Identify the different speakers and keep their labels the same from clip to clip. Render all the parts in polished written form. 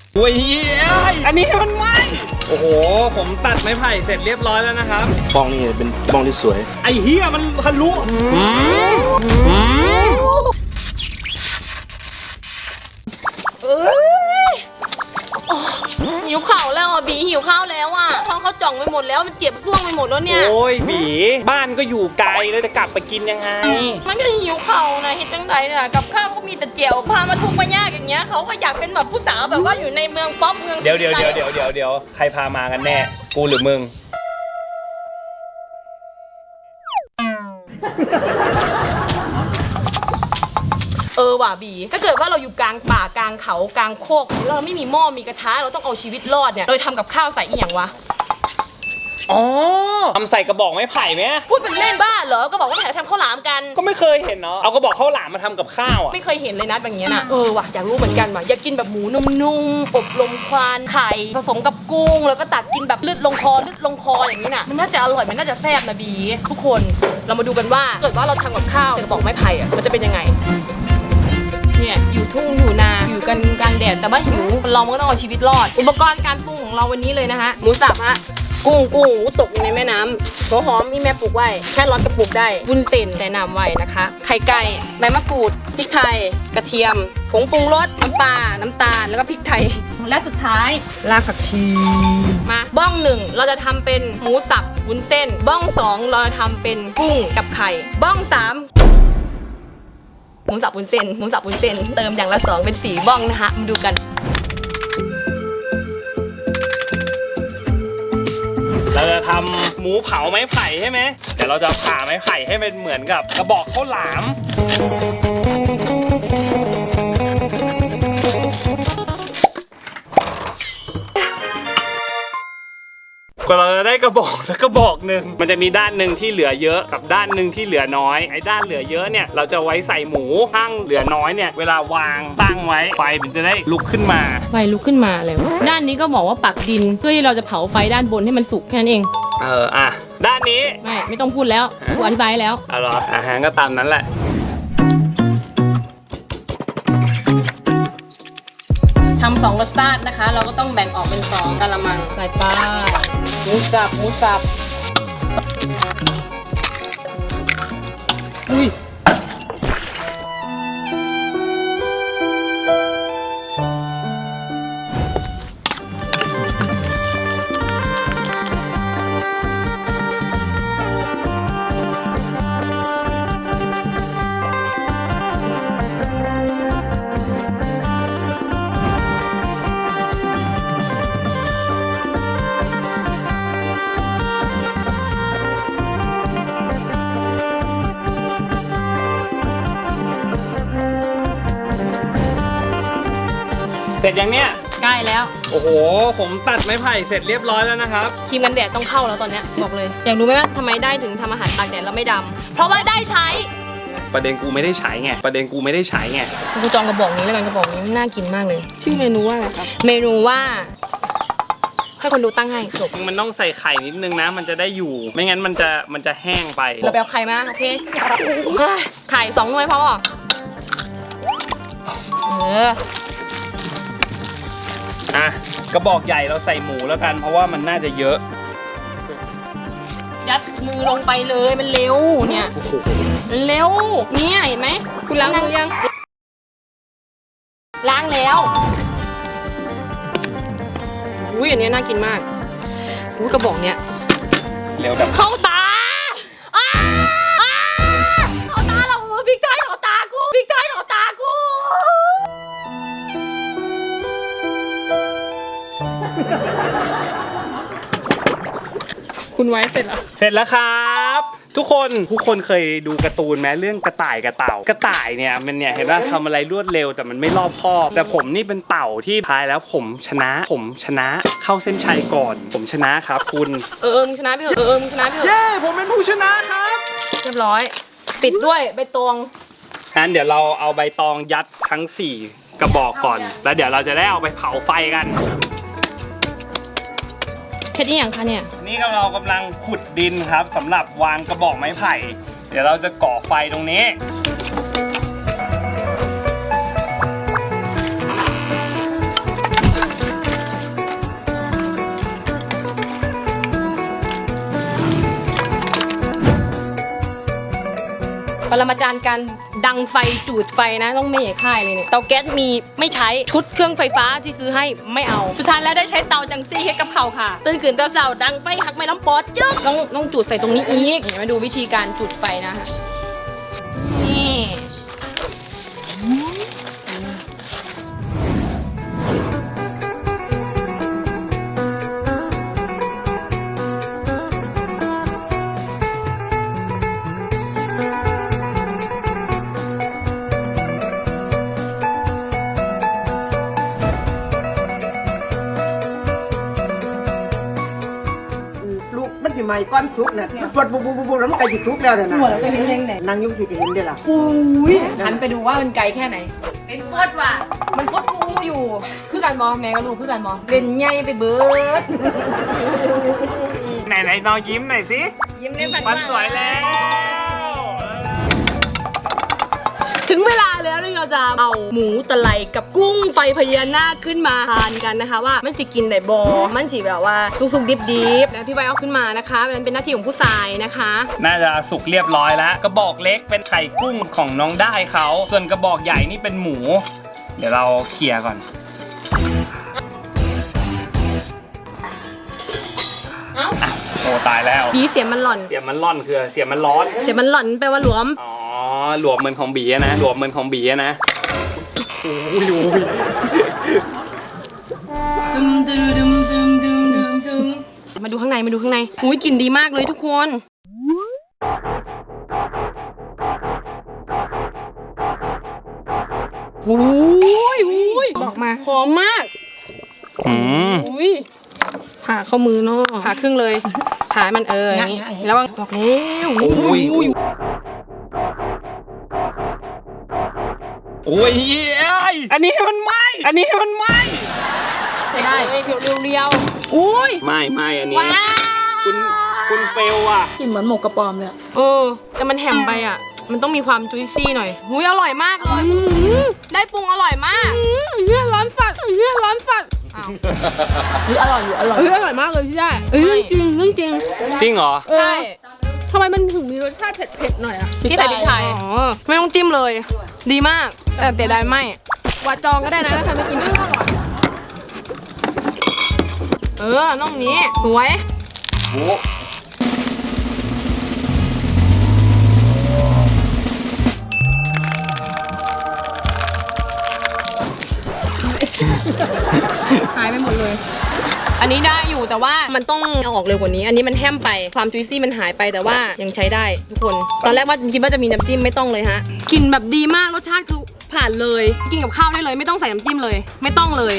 Speaker 1: โอ้ยอันนี้มันไหมโอ้โหผมตัดไม้ไผ่เสร็จเรียบร้อยแล้วนะครับ
Speaker 2: บ้องนี่เป็นบ้องที่สวย
Speaker 1: ไอ้เหี้ยมันทะลุ
Speaker 3: หิวข้าวแล้วอ่ะบีหิวข้าวแล้วอ่ะท้องเขาจ่องไปหมดแล้วมันเจ็บซ่วงไปหมดแล้วเนี่ย
Speaker 1: โอ้ยบีบ้านก็อยู่ไกลแล้วจะกลับไปกินยังไง
Speaker 3: มันก็หิวข้าวนะเห็นจังไดเนี่ยกับข้าวก็มีแต่เจียวพามาทุกข์มายากอย่างเงี้ยเขาก็อยากเป็นแบบผู้สาวแบบว่าอยู่ในเมืองป๊อปเมือง
Speaker 1: เดี๋ยวใครพามากันแน่กูหรือมึง
Speaker 3: ว่ะบีถ้าเกิดว่าเราอยู่กลางป่ากลางเขากลางโคกแล้วเราไม่มีหม้อมีกระทะเราต้องเอาชีวิตรอดเนี่ยเราทำกับข้าวใส่อีหยังวะ
Speaker 1: อ๋อทำใส่กระบอกไม้ไผ่ไหม
Speaker 3: พูดเป็นเล่นบ้าเหรอก็บอกว่าแถวทำข้าวหลามกัน
Speaker 1: ก็ไม่เคยเห็นเนาะเอากระบอกข้าวหลามมาทำกับข้าวอ่ะ
Speaker 3: ไม่เคยเห็นเลยนะแบบนี้น่ะว่ะอยากรู้เหมือนกันว่ะอยากกินแบบหมูนุ่มๆอบลมควันไข่ผสมกับกุ้งแล้วก็ตักกินแบบลืดลงคออย่างนี้น่ะมันน่าจะอร่อยมันน่าจะแซ่บนะบีทุกคนเรามาดูกันว่าเกิดว่าเราทำกับข้าวใส่กระบอกไม้ไผ่อ่ะมันจะเป็นยังไงเนี่ยอยู่ทุ่งอยู่นาอยู่กันกลางแดดแต่ว่าหิวเราก็ต้องเอาชีวิตรอดอุปกรณ์การปรุงของเราวันนี้เลยนะฮะหมูสับฮะกุ้งตกอยู่ในแม่น้ำหัวหอมมีแม่ปลูกไว้แค่ร้อนกระปุกได้วุ้นเส้นแต่น้ำไว้นะคะไข่ไก่ใบมะกรูดพริกไทยกระเทียมผงปรุงรสน้ำปลาน้ำตาลแล้วก็พริกไทยและสุดท้ายรากผักชีมาบ้อง1เราจะทำเป็นหมูสับวุ้นเส้นบ้อง2เราจะทำเป็นกุ้งกับไข่บ้อง3หมูสับวุ้นเส้นเติมอย่างละ2เป็น4บ้องนะคะมาดูกัน
Speaker 1: เราจะทำหมูเผาไม้ไผ่ใช่ไหมเดี๋ยวเราจะผ่าไม้ไผ่ให้เป็นเหมือนกับกระบอกข้าวหลามก็เราจะได้กระบอกสักกระบอกหนึ่งมันจะมีด้านหนึ่งที่เหลือเยอะกับด้านหนึ่งที่เหลือน้อยไอ้ด้านเหลือเยอะเนี่ยเราจะไว้ใส่หมูข้างเหลือน้อยเนี่ยเวลาวางตั้งไว้ไฟมันจะได้ลุกขึ้นมา
Speaker 3: เลยด้านนี้ก็บอกว่าปักดินเพื่อที่เราจะเผาไฟด้านบนให้มันสุกแค่นั้นเอง
Speaker 1: ด้านนี้
Speaker 3: ไม่ต้องพูดแล้วกูอธิบายแล้ว
Speaker 1: เหรอก็ตามนั้นแหละ
Speaker 3: ทำ2รสชาตินะคะเราก็ต้องแบ่งออกเป็น2กะละมังใส่ปลาหมูสับอุ้ย
Speaker 1: เสร็จยังเนี่ย
Speaker 3: ใกล้แล้ว
Speaker 1: โอ้โหผมตัดไม้ไผ่เสร็จเรียบร้อยแล้วนะครับ
Speaker 3: ครีมกันแดดต้องเข้าแล้วตอนนี้บอกเลยอยากรู้ไหมว่าทำไมได้ถึงทำอาหารตากแดดแล้วไม่ดำเพราะว่าได้ใช้
Speaker 1: ประเด็นกูไม่ได้ใช้ไง
Speaker 3: กูจองกระบอกนี้แล้วกันกระบอกนี้น่ากินมากเลยชื่อเมนูว่าอะไรครับเมนูว่าให้คนดูตั้งให้จบ
Speaker 1: มันต้องใส่ไข่นิดนึงนะมันจะได้อยู่ไม่งั้นมันจะแห้งไป
Speaker 3: เราไปเอาไข่มาโอเคไข่2 หน่วยพ
Speaker 1: อกระบอกใหญ่เราใส่หมูแล้วกันเพราะว่ามันน่าจะเยอะ
Speaker 3: ยัดมือลงไปเลยมันเร็วเนี่ยมันเร็วเนี่ยเห็นไหมคุณล้างมือยังล้างแล้วอุ้ยอันนี้น่ากินมากอุ้ยกระบอกเนี้ย
Speaker 1: เร็วดับ
Speaker 3: เข้าตาเข้าตาเราพริกไทยเข้าตากูคุณไว้เสร็จ
Speaker 1: แล้วครับทุกคนเคยดูการ์ตูนไหมเรื่องกระต่ายกับเต่ากระต่ายเนี่ยมันเนี่ยเห็นว่าทำอะไรรวดเร็วแต่มันไม่รอบคอบแต่ผมนี่เป็นเต่าที่ท้ายแล้วผมชนะเข้าเส้นชัยก่อนผมชนะครับคุณ
Speaker 3: มึงชนะพี่เหรอมึงชนะพี่เหรอ
Speaker 1: เย้ผมเป็นผู้ชนะครับ
Speaker 3: เรียบร้อยติดด้วยใบตอง
Speaker 1: งั้นเดี๋ยวเราเอาใบตองยัดทั้ง4กระบอกก่อนแล้วเดี๋ยวเราจะได้เอาไปเผาไฟกัน
Speaker 3: เฮ็ดอย่างคะเนี่ย
Speaker 1: นี่เรากำลังขุดดินครับสำหรับวางกระบอกไม้ไผ่เดี๋ยวเราจะก่อไฟตรงนี้
Speaker 3: ปรมาจารย์การดังไฟจูดไฟนะต้องไม่ใหญ่ค่ายเลยเนี่ยเตาแก๊สมีไม่ใช้ชุดเครื่องไฟฟ้าที่ซื้อให้ไม่เอาสุดท้ายแล้วได้ใช้เตาจังซี่เฮ็ดกับเขาค่ะตื่นขึ้นเตาเสาดังไฟหักไม่ล้ำปอดจึ๊กต้องจุดใส่ตรงนี้อีกมาดูวิธีการจุดไฟนะคะนี่
Speaker 4: ลูกมันสิไหม้ก้อนสุกน่ะมันฟดบุบแล้วมันก็สิสุกแล้วน่ะนะ
Speaker 3: หัวเราจะเห็นเองไหน
Speaker 4: นางยุ่งสิจะเห็นได้ล่ะ
Speaker 3: อุ้ยหันไปดูว่ามันไกลแค่ไหนเป็นโคตรว่ะมันโคตรฟูอยู่คือกันมอแม่กับลูกคือกันมอเล่นใหญ่ไปเบิด
Speaker 1: ไหนน้องยิ้มหน่อยสิ
Speaker 3: ยิ้มได้
Speaker 1: มันสวยแล้ว
Speaker 3: ถึงเวลาแล้วที่เราจะเอาหมูตะไลกับกุ้งไฟพญานาคขึ้นมาทานกันนะคะว่ามันสิกินได้บอมันสิแบบว่าสุกๆดิบๆแล้วพี่ใบเอาขึ้นมานะคะมันเป็นหน้าที่ของผู้ชายนะคะ
Speaker 1: น่าจะสุกเรียบร้อยแล้วกระบอกเล็กเป็นไข่กุ้งของน้องได้เขาส่วนกระบอกใหญ่นี่เป็นหมู เดี๋ยวเราเคลียร์ก่อน
Speaker 3: เอ้า
Speaker 1: อ่ะโอ้ตายแล้ว
Speaker 3: ดีเสียงมันหล่อน
Speaker 1: เสียงมันร่อนคือเสียงมันร้อน
Speaker 3: เสียงมันหล่อนแปลว่าหลวม
Speaker 1: อ๋อหลวมเหมือนของบีอะนะหลวมเหมือนของบีอะนะโอ้ยโอ้ย
Speaker 3: ดึมมาดูข้างในอุ้ยกลิ่นดีมากเลยทุกคนอุ้ยบอกมาหอมมาก
Speaker 1: อืม
Speaker 3: อุ้ยผ่าเข้ามือเนาะผ่าครึ่งเลยผ่าให้มันอย่างนี้แล้วบอกแล้ว
Speaker 1: โอ้ยโอ้ยอันนี้มันไหมอันนี้มันไหม
Speaker 3: ได้เรียวๆอุ้ย
Speaker 1: ไม่อันนี้
Speaker 3: ว้าว
Speaker 1: คุณเฟลอ่ะ
Speaker 3: กลิ่นเหมือนหมกกระป๋อมเลยแต่มันแหมไปอ่ะมันต้องมีความจุยซี่หน่อยอุ้ยอร่อยมากเลยได้ปรุงอร่อยมากร้อนฝัดอ้าวอร่อยอยู่อร่อย
Speaker 5: อร่อยมากเลยพี่ได้เรื่องจริง
Speaker 1: จริงเหรอ
Speaker 3: ใช่
Speaker 5: ทำไมมันถึงมีรสชาติเผ็ดๆหน่อยอะ
Speaker 3: พี่ใส่พริกไทยไม่ต้องจิ้มเลย ดีมากแต่เสียดายไม่
Speaker 5: วาจองก็ได้นะถ้าใครไม่กินอะ
Speaker 3: น้องนี้สวยหายไปหมดเลย อันนี้ได้อยู่แต่ว่ามันต้องเอาออกเร็วกว่านี้ อันนี้มันแห้มไปความจุยซี่มันหายไปแต่ว่ายังใช้ได้ทุกคน ตอนแรกว่าคิดว่าจะมีน้ำจิ้มไม่ต้องเลยฮะกลิ่นแบบดีมากรสชาติคือผ่านเลยกินกับข้าวได้เลยไม่ต้องใส่น้ำจิ้มเลย ไม่ต้องเลย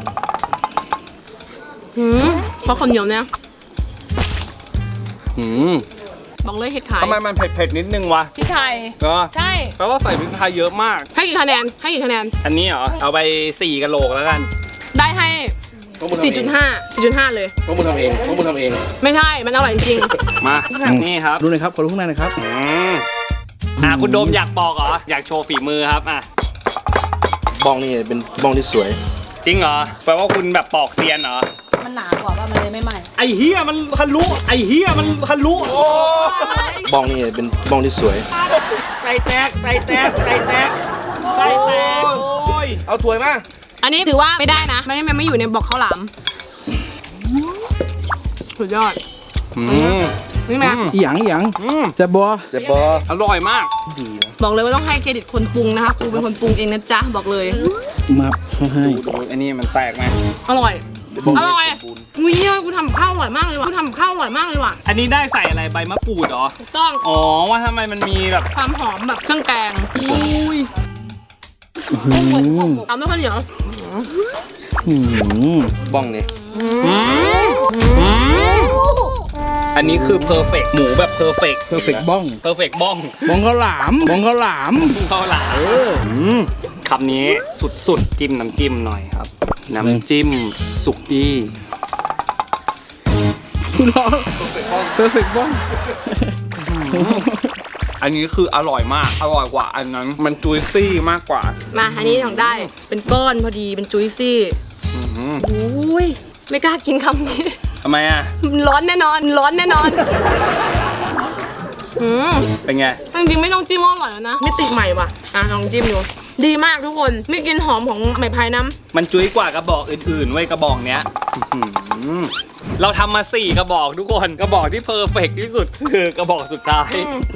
Speaker 3: เพราะคนเหนียวเนี่ย บอกเลยเห็ดขาย
Speaker 1: ทำไมมันเผ็ดนิดนึงวะ
Speaker 3: พริกไทย
Speaker 1: ก็
Speaker 3: ใช่
Speaker 1: แปลว่าใส่พริกไทยเยอะมาก
Speaker 3: ให้กี่คะแนน
Speaker 1: อันนี้เหรอ เอาไป4กะโหลกแล้วกัน
Speaker 3: ได้ให้
Speaker 2: พวกมึงทำเอง
Speaker 3: 4.5 เลย
Speaker 2: พวกมึงทำเอง
Speaker 3: ไม่ใช่มันอร่อยจริง
Speaker 1: มานี่ครับ
Speaker 2: ดูหน่อยครับ ขอดูข้างในหน่อยครับ
Speaker 1: คุณโดมอยากบอกเหรอ อยากโชว์ฝีมือครับ
Speaker 2: บ้องนี่เป็นบ้องที่สวย
Speaker 1: จริงเหรอ แปลว่าคุณแบบปอกเซียนเหรอ
Speaker 3: มันหนากว่าว่ามันเลยไม่ไหม้
Speaker 1: ไอ้เฮียมันทะลุโอ้
Speaker 2: บ้องนี่เป็นบ้องที่สวย
Speaker 1: ไส้แตกโอ้ย
Speaker 2: เอาถ้วยมา
Speaker 3: อันนี้ถือว่าไม่ได้นะมันไม่อยู่ในบอกข้าวหลามสุดยอดนี่ไหม
Speaker 2: อีหยังจะบอ
Speaker 1: อร่อยมาก
Speaker 2: ดีนะ
Speaker 3: บอกเลยว่าต้องให้เครดิตคนปรุงนะคะครูเป็นคนปรุงเองนะจ๊ะบอกเลย
Speaker 2: มาให้
Speaker 1: อันนี้มันแตกไหม
Speaker 3: อร่อยอุ้ยกูทำข้าวอร่อยมากเลยว่ะอันนี้ได้ใส่อะไรใบมะกรูดเหรอถูกต้องอ๋อว่าทำไมมันมีแบบความหอมแบบเครื่องแกงอุ้ยเอาไม่ค่อยเหนียว
Speaker 2: บ้องนี่
Speaker 1: อันนี้คือเพอร์เฟกหมูแบบเพอร์เฟก
Speaker 2: เพอร์เฟกบ้อง
Speaker 1: เพอร์เฟกบ้อง
Speaker 2: บ้องข้าวหลาม
Speaker 1: ข้าวหลามคำนี้สุดจิ้มน้ำจิ้มหน่อยครับ น้ำจิ้มสุกี้
Speaker 2: เพอร์เฟกบ้อง
Speaker 1: อันนี้คืออร่อยมากอร่อยกว่าอันนั้นมันจุยซี่มากกว่า
Speaker 3: มาอันนี้ของได้เป็นก้อนพอดีเป็นจุยซี่อุ้ยไม่กล้ากินคำนี้
Speaker 1: ทำไมอ่ะ
Speaker 3: ร้อนแน่นอน
Speaker 1: เป็นไง
Speaker 3: จริงๆไม่ต้องจิ้มก็อร่อยแล้วนะมิติใหม่ว่ะลองจิ้มดูดีมากทุกคนมีกลิ่นหอมของไหมพายน้ำ
Speaker 1: มันจุ้ยกว่ากระบอกอื่นๆเว้ยกระบอกเนี้ยอื้อหือเราทำมา4กระบอกทุกคนกระบอกที่เพอร์เฟกต์ที่สุดคือกระบอกสุดท้าย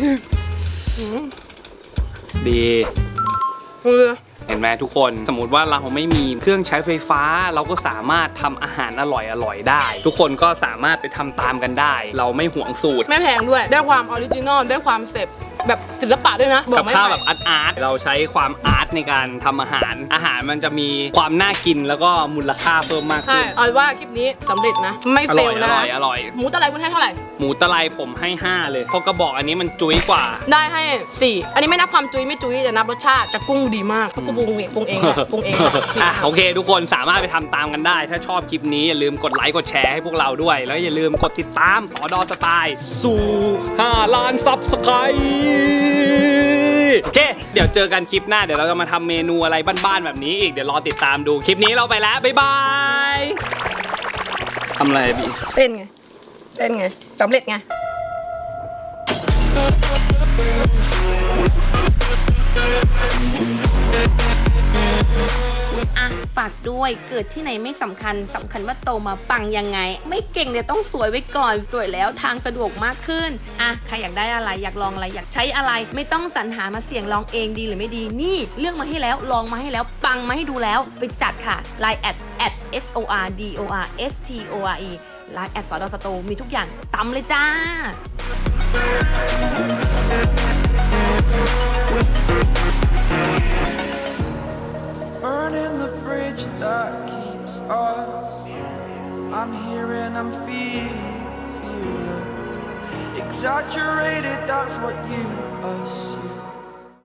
Speaker 1: ดี เห็นไหมทุกคนสมมติว่าเราไม่มีเครื่องใช้ไฟฟ้า เราก็สามารถทำอาหารอร่อยๆได้ ทุกคนก็สามารถไปทำตามกันได้ เราไม่ห่วงสูตร
Speaker 3: ไม่แพงด้วยได้ความออริจินอลได้ความเสพแบบศิลปะด้วยนะ
Speaker 1: กับ
Speaker 3: ไม่
Speaker 1: ข้าว
Speaker 3: ไหว
Speaker 1: แบบอาร์ตเราใช้ความอาร์ตในการทำอาหารมันจะมีความน่ากินแล้วก็มูลค่าเพิ่มมาก
Speaker 3: ใช่
Speaker 1: ขึ้น
Speaker 3: เอาว่าคลิปนี้สำเร็จนะ ไม่
Speaker 1: อ
Speaker 3: เฟ
Speaker 1: ร่อ
Speaker 3: ล
Speaker 1: ย
Speaker 3: นะ
Speaker 1: อร่อย
Speaker 3: หมูตะไลคุณให้เท่าไหร่
Speaker 1: หมูตะไลผมให้5เลยเพราะกระบอกอันนี้มันจุ้ยกว่า
Speaker 3: ได้ให้ 4 อันนี้ไม่นับความจุยไม่จุยแต่นับรสชาติจะกุ้งดีมากเพราะกูปรุงเองปรุงเองแหละปรุงเองแหละ
Speaker 1: อ่ะโอเค ทุกคนสามารถไปทำตามกันได้ ถ้าชอบคลิปนี้อย่าลืมกดไลค์กดแชร์ให้พวกเราด้วย แล้วอย่าลืมกดติดตามสอดอสไตล์สู่5 ล้านซับสไครต์โอเค เดี๋ยวเจอกันคลิปหน้าเดี๋ยวเราจะมาทำเมนูอะไรบ้านๆแบบนี้อีกเดี๋ยวรอติดตามดูคลิปนี้เราไปแล้วบ๊ายบายทำอะไรบี
Speaker 3: เต้นไงสำเร็จไงฝากด้วยเกิดที่ไหนไม่สำคัญว่าโตมาปังยังไง ไม่เก่งเนี่ยต้องสวยไว้ก่อนสวยแล้วทางสะดวกมากขึ้นใครอยากได้อะไรอยากลองอะไรอยากใช้อะไร ไม่ต้องสรรหามาเสี่ยงลองเองดีหรือไม่ดีนี่เลือกมาให้แล้วลองมาให้แล้วปังมาให้ดูแล้วไปจัดค่ะ Line @SORDORSTORE Line @ สอดอสโตมีทุกอย่างตำเลยจ้า
Speaker 6: Burning the bridge that keeps us. I'm here and I'm feeling fearless. Exaggerated, that's what you assume.